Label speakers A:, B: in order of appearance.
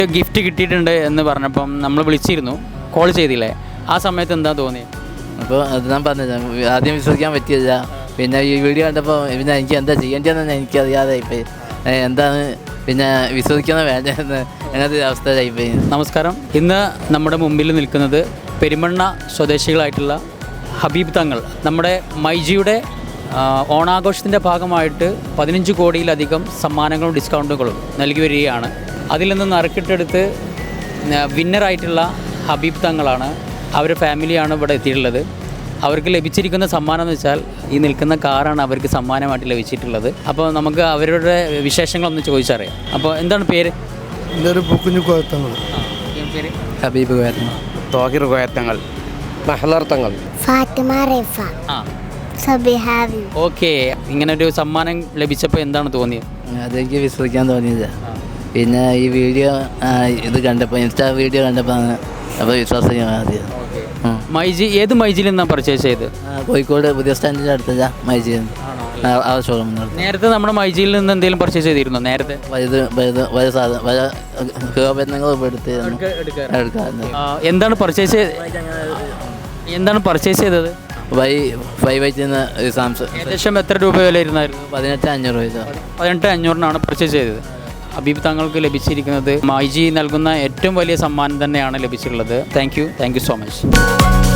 A: Gift കിട്ടിയിട്ടുണ്ട് എന്ന് പറഞ്ഞപ്പം നമ്മൾ വിളിച്ചിരുന്നു, കോൾ ചെയ്തില്ലേ? ആ സമയത്ത് എന്താ തോന്നി?
B: അപ്പോൾ അത് ഞാൻ പറഞ്ഞത് ആദ്യം വിശ്വസിക്കാൻ പറ്റിയില്ല. പിന്നെ ഈ വീഡിയോ കണ്ടപ്പോൾ പിന്നെ എനിക്ക് എന്താ ചെയ്യേണ്ടതെന്ന് എനിക്കറിയാതെ ഇപ്പം എന്താണ് പിന്നെ വിശ്വസിക്കുന്ന വേണ്ടതെന്ന് അങ്ങനത്തെ ഒരു അവസ്ഥയിലായിപ്പോയി.
A: നമസ്കാരം. ഇന്ന് നമ്മുടെ മുമ്പിൽ നിൽക്കുന്നത് പെരുമണ്ണ സ്വദേശികളായിട്ടുള്ള ഹബീബ് തങ്ങൾ. നമ്മുടെ മൈജിയുടെ ഓണാഘോഷത്തിൻ്റെ ഭാഗമായിട്ട് 15 കോടിയിലധികം സമ്മാനങ്ങളും ഡിസ്കൗണ്ടുകളും നൽകി വരികയാണ്. അതിൽ നിന്ന് നറുക്കിട്ടെടുത്ത് വിന്നറായിട്ടുള്ള ഹബീബ് തങ്ങളാണ്, അവരുടെ ഫാമിലിയാണ് ഇവിടെ എത്തിയിട്ടുള്ളത്. അവർക്ക് ലഭിച്ചിരിക്കുന്ന സമ്മാനം എന്ന് വെച്ചാൽ ഈ നിൽക്കുന്ന കാറാണ് അവർക്ക് സമ്മാനമായിട്ട് ലഭിച്ചിട്ടുള്ളത്. അപ്പോൾ നമുക്ക് അവരുടെ വിശേഷങ്ങളൊന്ന് ചോദിച്ചറിയാം. അപ്പോൾ എന്താണ് പേര്?
C: എൻ്റെ ഒരു പൂക്കുഞ്ഞു കോയത്തങ്ങൾ.
A: പേര്
B: ഹബീബ് കോയത്തങ്ങൾ,
D: തോഹിർ കോയത്തങ്ങൾ, മഹ്ലർ തങ്ങൾ,
E: ഫാത്തിമ റൈഫ, സബിഹാവി.
A: ഓക്കെ. ഇങ്ങനെ ഒരു സമ്മാനം ലഭിച്ചപ്പോൾ എന്താണ് തോന്നിയത്?
B: അതെനിക്ക് വിശ്വസിക്കാൻ തോന്നിയില്ല. പിന്നെ ഈ വീഡിയോ ഇത് കണ്ടപ്പോൾ, ഇൻസ്റ്റാ വീഡിയോ കണ്ടപ്പോൾ അപ്പോൾ വിശ്വാസിക്കാൻ ആദ്യം.
A: മൈജി ഏത് മൈജിയിൽ നിന്നാണ് പർച്ചേസ് ചെയ്ത്?
B: കോഴിക്കോട് പുതിയ സ്റ്റാൻഡിൻ്റെ അടുത്ത മൈജി ആ ഷോറൂം.
A: നേരത്തെ നമ്മുടെ മൈജിയിൽ നിന്ന് എന്തെങ്കിലും പർച്ചേസ് ചെയ്തിരുന്നോ നേരത്തെ? എന്താണ് പർച്ചേസ് ചെയ്തത്?
B: സാംസങ്.
A: ഏകദേശം എത്ര രൂപ വില ഇരുന്നായിരുന്നു?
B: 18,500 രൂപ.
A: 18,500 പർച്ചേസ് ചെയ്തത്. ഹബീബ് തങ്ങൾക്ക് ലഭിച്ചിരിക്കുന്നത് മൈജി നൽകുന്ന ഏറ്റവും വലിയ സമ്മാനം തന്നെയാണ് ലഭിച്ചിട്ടുള്ളത്. Thank you so much.